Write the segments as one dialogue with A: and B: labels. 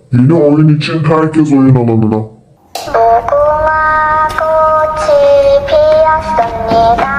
A: Yeni oyun için herkes oyun alanına.
B: 무궁화 꽃이 피었습니다.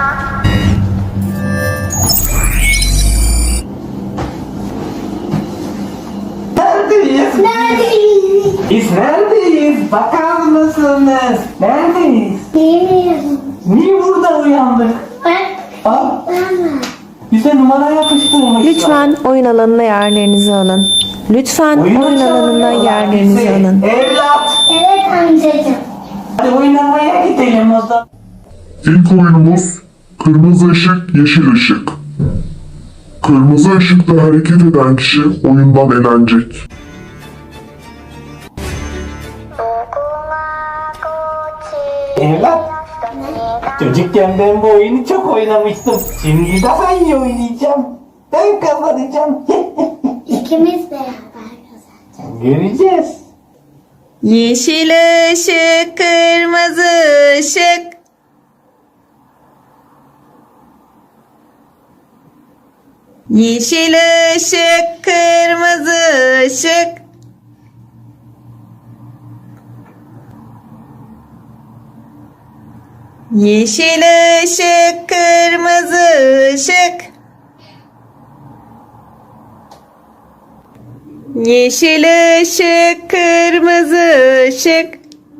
C: Neredeyiz? Biz neredeyiz? Bakar mısınız? Neredeyiz?
B: Bilmiyorum.
C: Niye burada uyandık?
B: Ben
C: Aa,
B: ama.
C: bize numara yapıştırmışlar.
D: Lütfen oyun alanına yerlerinizi alın. Lütfen oyun alanına
C: çağırıyorlar
D: yerlerinizi
C: bizi.
D: alın.
C: Evlat.
B: Evet amcacığım.
C: Hadi oynamaya gidelim o zaman.
A: İlk oyunumuz kırmızı ışık, yeşil ışık. Kırmızı ışıkta hareket eden kişi oyundan elenecek.
B: 무궁화 꽃이
C: Evlat.
B: 피었습니다.
C: Çocukken ben bu oyunu çok oynamıştım. Şimdi daha iyi oynayacağım. Ben kazanacağım.
B: İkimiz beraber kazanacağız.
C: Göreceğiz.
D: Yeşil ışık, kırmızı ışık. Yeşil ışık, kırmızı ışık. Yeşil ışık, kırmızı ışık. Yeşil ışık, kırmızı ışık.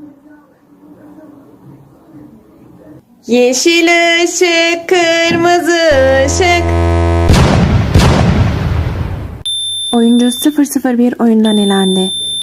D: Yeşil ışık, kırmızı ışık. Oyuncu 001 oyundan elendi.